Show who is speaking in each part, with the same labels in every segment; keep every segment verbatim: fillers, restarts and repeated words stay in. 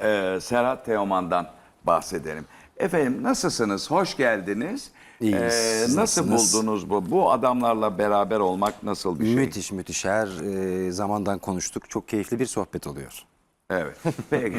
Speaker 1: e, Serhat Teoman'dan bahsedelim. Efendim nasılsınız? Hoş geldiniz.
Speaker 2: İyiyiz.
Speaker 1: Ee,
Speaker 2: Siz
Speaker 1: nasıl
Speaker 2: nasılsınız?
Speaker 1: buldunuz bu? Bu adamlarla beraber olmak nasıl bir şey?
Speaker 2: Müthiş müthiş. Her e, zamandan konuştuk. Çok keyifli bir sohbet oluyor.
Speaker 1: Evet. Peki.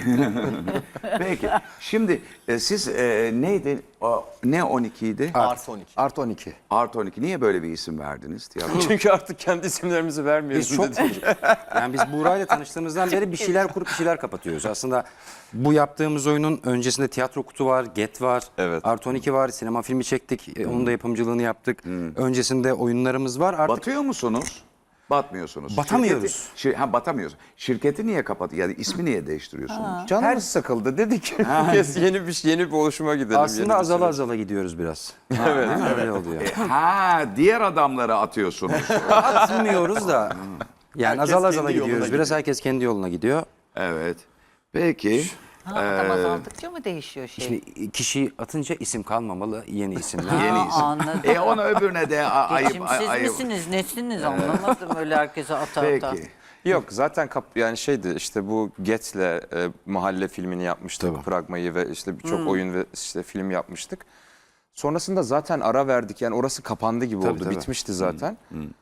Speaker 1: Peki. Şimdi e, siz e, neydi? O, ne on iki idi?
Speaker 3: Artı on iki.
Speaker 2: Artı on iki.
Speaker 1: Art on iki. Niye böyle bir isim verdiniz? Tiyatro?
Speaker 3: Çünkü artık kendi isimlerimizi vermiyoruz.
Speaker 2: Biz çok yani biz Buğra'yla tanıştığımızdan beri bir şeyler kurup bir şeyler kapatıyoruz. Aslında bu yaptığımız oyunun öncesinde Tiyatro Kutu var, Get var,
Speaker 3: Evet.
Speaker 2: Artı on iki var, sinema filmi çektik. E, Onun da yapımcılığını yaptık. Öncesinde oyunlarımız var. Artık
Speaker 1: Batıyor musunuz? Batmıyorsunuz.
Speaker 2: Batamıyoruz.
Speaker 1: Şirketi, şir, ha batamıyoruz. Şirketi niye kapat? Yani ismi niye değiştiriyorsunuz?
Speaker 3: Canımız sıkıldı dedik. Kes yeni bir yeni bir oluşuma gidelim. yeni
Speaker 2: aslında
Speaker 3: bir
Speaker 2: azala
Speaker 3: süreç.
Speaker 2: azala gidiyoruz biraz. Evet. Değil mi? Öyle oluyor.
Speaker 1: Ha, diğer adamları atıyorsunuz.
Speaker 2: Atmıyoruz da. Yani
Speaker 3: Herkes
Speaker 2: azala
Speaker 3: kendi
Speaker 2: azala
Speaker 3: yoluna
Speaker 2: gidiyoruz. Biraz herkes kendi yoluna gidiyor.
Speaker 1: Evet. Peki.
Speaker 4: Ha, adam azaldıkça mı değişiyor şey?
Speaker 2: Şimdi kişi atınca isim kalmamalı, yeni isimler.
Speaker 1: Yeni
Speaker 4: Aa,
Speaker 1: isim.
Speaker 4: anladım.
Speaker 1: E ona öbürüne de a- ayıp.
Speaker 4: Geçimsiz
Speaker 1: ayıp.
Speaker 4: misiniz, nesiniz anlamadım öyle herkese ata ata.
Speaker 1: Peki.
Speaker 3: Yok zaten kap, yani şeydi işte bu Get'le e, mahalle filmini yapmıştık.
Speaker 2: Tabii.
Speaker 3: Pragma'yı ve işte birçok oyun ve işte film yapmıştık. Sonrasında zaten ara verdik. Yani orası kapandı gibi
Speaker 2: Tabii,
Speaker 3: oldu.
Speaker 2: tabii.
Speaker 3: Bitmişti zaten.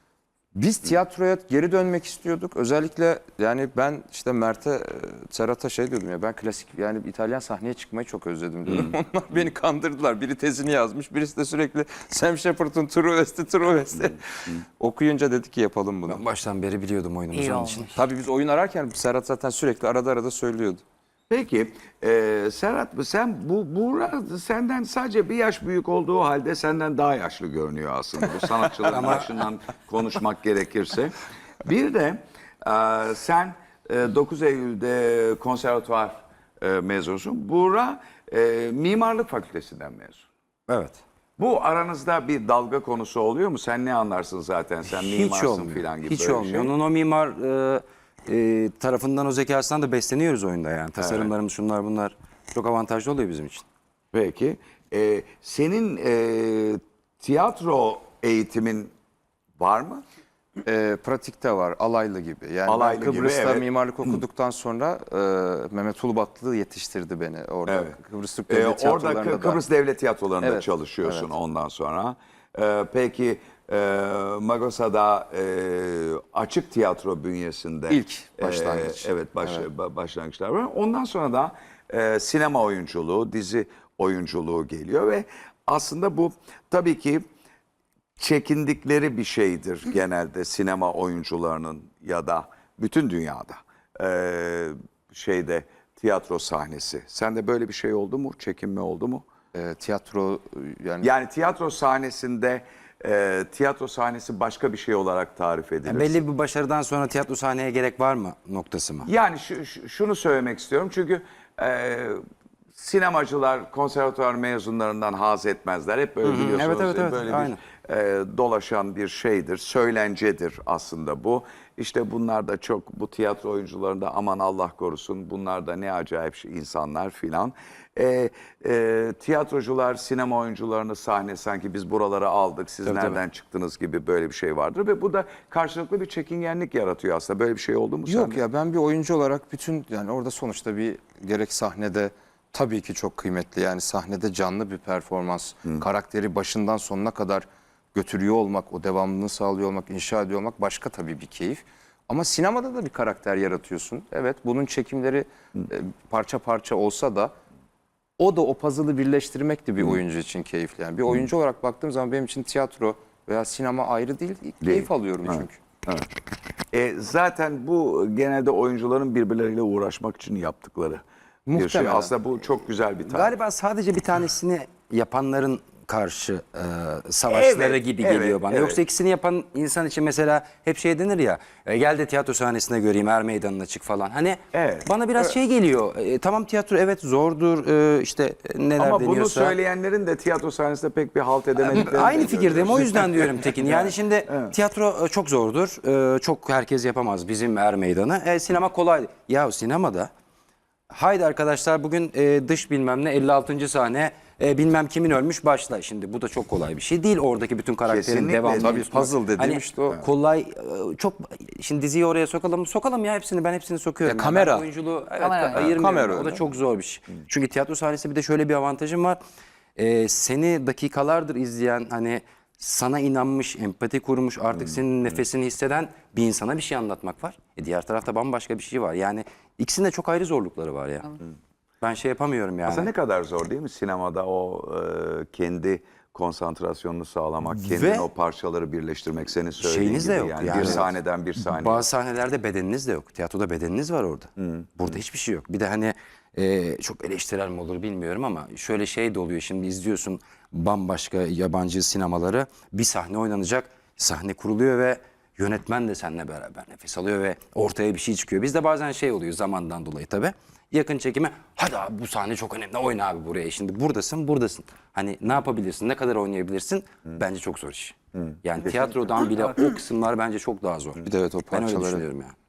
Speaker 3: Biz tiyatroya geri dönmek istiyorduk. Özellikle yani ben işte Mert'e, e, Serhat'a şey diyordum ya ben klasik yani İtalyan sahneye çıkmayı çok özledim diyordum. Onlar beni kandırdılar. Biri tezini yazmış, birisi de sürekli Sam Shepard'ın Truesti, Truesti. Okuyunca dedi ki yapalım bunu.
Speaker 2: Ben baştan beri biliyordum oyunumuzu
Speaker 4: İyi
Speaker 2: onun
Speaker 4: olmuş.
Speaker 2: için.
Speaker 3: Tabii biz oyun ararken Serhat zaten sürekli arada arada söylüyordu.
Speaker 1: Peki e, Serhat sen bu Buğra senden sadece bir yaş büyük olduğu halde senden daha yaşlı görünüyor aslında bu sanatçıların başından konuşmak gerekirse. Bir de e, sen e, dokuz Eylül'de konservatuvar e, mezunusun. Buğra e, mimarlık fakültesinden mezun.
Speaker 2: Evet.
Speaker 1: Bu aranızda bir dalga konusu oluyor mu? Sen ne anlarsın zaten? Sen
Speaker 2: Hiç
Speaker 1: mimarsın
Speaker 2: olmuyor.
Speaker 1: filan gibi
Speaker 2: Hiç
Speaker 1: böyle bir
Speaker 2: olmuyor.
Speaker 1: şey.
Speaker 2: Onun o mimar e, e, tarafından, o zekasından da besleniyoruz oyunda yani. Tasarımlarımız şunlar bunlar çok avantajlı oluyor bizim için.
Speaker 1: Peki. Ee, senin e, tiyatro eğitimin var mı?
Speaker 3: Ee, pratikte var, alaylı gibi. Yani
Speaker 1: Alaylı
Speaker 3: ben
Speaker 1: gibi,
Speaker 3: Kıbrıs'ta
Speaker 1: evet.
Speaker 3: mimarlık okuduktan sonra e, Mehmet Ulubatlı yetiştirdi beni orada.
Speaker 1: Evet.
Speaker 3: Kıbrıs Türk
Speaker 1: Ee,
Speaker 3: Devlet
Speaker 1: orada
Speaker 3: Tiyatroları'nda
Speaker 1: Kı-
Speaker 3: da.
Speaker 1: Kıbrıs Devlet Tiyatroları'nda
Speaker 3: Evet,
Speaker 1: çalışıyorsun
Speaker 3: evet.
Speaker 1: ondan sonra. Ee, peki e, Magosa'da e, açık tiyatro bünyesinde
Speaker 3: İlk başlangıç.
Speaker 1: e, evet, baş, ba- başlangıçlar var. Ondan sonra da e, sinema oyunculuğu, dizi oyunculuğu geliyor ve aslında bu tabii ki çekindikleri bir şeydir genelde sinema oyuncularının ya da bütün dünyada Ee, şeyde tiyatro sahnesi. Sende böyle bir şey oldu mu? Çekinme oldu mu?
Speaker 3: E, tiyatro yani,
Speaker 1: Yani tiyatro sahnesinde e, tiyatro sahnesi başka bir şey olarak tarif edilir.
Speaker 2: Yani belli bir başarıdan sonra tiyatro sahneye gerek var mı noktası mı?
Speaker 1: Yani şu, şu- şunu söylemek istiyorum çünkü e, sinemacılar konservatuvar mezunlarından haz etmezler. Hep böyle biliyorsunuz.
Speaker 2: Evet, evet, evet.
Speaker 1: Böyle
Speaker 2: Aynen.
Speaker 1: bir e, dolaşan bir şeydir, söylencedir aslında bu. İşte bunlar da çok bu tiyatro oyuncularında aman Allah korusun bunlar da ne acayip şey, insanlar filan. E, e, tiyatrocular sinema oyuncularını sahne sanki biz buraları aldık siz
Speaker 2: Tabii,
Speaker 1: nereden çıktınız gibi böyle bir şey vardır ve bu da karşılıklı bir çekingenlik yaratıyor aslında. Böyle bir şey oldu mu
Speaker 3: yok
Speaker 1: sende?
Speaker 3: ya ben bir oyuncu olarak bütün yani orada sonuçta bir gerek sahnede tabii ki çok kıymetli. Yani sahnede canlı bir performans, karakteri başından sonuna kadar götürüyor olmak, o devamlılığını sağlıyor olmak, inşa ediyor olmak başka tabii bir keyif. Ama sinemada da bir karakter yaratıyorsun. Evet bunun çekimleri e, parça parça olsa da o da o puzzle'ı birleştirmek de bir oyuncu için keyifli. Yani bir oyuncu olarak baktığım zaman benim için tiyatro veya sinema ayrı değil, keyif alıyorum çünkü.
Speaker 1: E, zaten bu genelde oyuncuların birbirleriyle uğraşmak için yaptıkları bir şey.
Speaker 3: Muhtemelen.
Speaker 1: Aslında bu çok güzel bir tarif.
Speaker 2: Galiba sadece bir tanesini yapanların karşı e, savaşları
Speaker 1: Evet,
Speaker 2: gibi
Speaker 1: evet,
Speaker 2: geliyor bana.
Speaker 1: evet.
Speaker 2: Yoksa ikisini yapan insan için mesela hep şey denir ya, e, gel de tiyatro sahnesine göreyim, er meydanına çık falan. Hani
Speaker 1: Evet.
Speaker 2: bana biraz şey geliyor. E, tamam tiyatro evet zordur, e, işte e, neler
Speaker 1: Ama bunu
Speaker 2: deniyorsa.
Speaker 1: söyleyenlerin de tiyatro sahnesinde pek bir halt edemediklerini
Speaker 2: Aynı
Speaker 1: de
Speaker 2: fikirdeyim.
Speaker 1: görüyoruz.
Speaker 2: O yüzden diyorum Tekin. Yani şimdi tiyatro e, çok zordur. E, Çok herkes yapamaz bizim er meydanı. E, sinema kolay. Ya sinemada haydi arkadaşlar bugün e, dış bilmem ne elli altıncı sahne E, bilmem kimin ölmüş başla. Şimdi bu da çok kolay bir şey değil. Oradaki bütün karakterin
Speaker 1: Kesinlikle.
Speaker 2: devamlı.
Speaker 3: Tabii puzzle dediğim
Speaker 2: Hani
Speaker 3: işte o.
Speaker 2: kolay e, çok şimdi diziyi oraya sokalım. Sokalım ya hepsini ben hepsini sokuyorum.
Speaker 3: Ya
Speaker 2: Yani
Speaker 3: kamera.
Speaker 2: ben oyunculuğu evet,
Speaker 4: Kamera.
Speaker 2: ayırmıyorum.
Speaker 3: Kamera
Speaker 2: O da
Speaker 3: öyle.
Speaker 2: çok zor bir şey. Çünkü tiyatro sahnesi bir de şöyle bir avantajım var. E, seni dakikalardır izleyen hani sana inanmış, empati kurmuş, artık senin nefesini hisseden bir insana bir şey anlatmak var. E, diğer tarafta bambaşka bir şey var. Yani ikisinde çok ayrı zorlukları var ya. Ben şey yapamıyorum yani.
Speaker 1: Aslında ne kadar zor değil mi sinemada o e, kendi konsantrasyonunu sağlamak, kendin
Speaker 2: Ve
Speaker 1: o parçaları birleştirmek, senin söylediğin
Speaker 2: şeyiniz
Speaker 1: gibi
Speaker 2: de yok.
Speaker 1: yani,
Speaker 2: Yani
Speaker 1: bir
Speaker 2: evet.
Speaker 1: sahneden bir sahneye.
Speaker 2: Bazı sahnelerde bedeniniz de yok. Tiyatroda bedeniniz var orada. Burada hiçbir şey yok. Bir de hani e, çok eleştirel mi olur bilmiyorum ama şöyle şey de oluyor. Şimdi izliyorsun bambaşka yabancı sinemaları. Bir sahne oynanacak. Sahne kuruluyor ve yönetmen de seninle beraber nefes alıyor ve ortaya bir şey çıkıyor. Bizde bazen şey oluyor zamandan dolayı tabii. Yakın çekime hadi abi bu sahne çok önemli oyna abi buraya. Şimdi buradasın buradasın. Hani ne yapabilirsin ne kadar oynayabilirsin bence çok zor iş. Yani tiyatrodan bile o kısımlar bence çok daha zor.
Speaker 3: Bir de evet o
Speaker 2: Ben öyle
Speaker 3: parçaları
Speaker 2: düşünüyorum yani.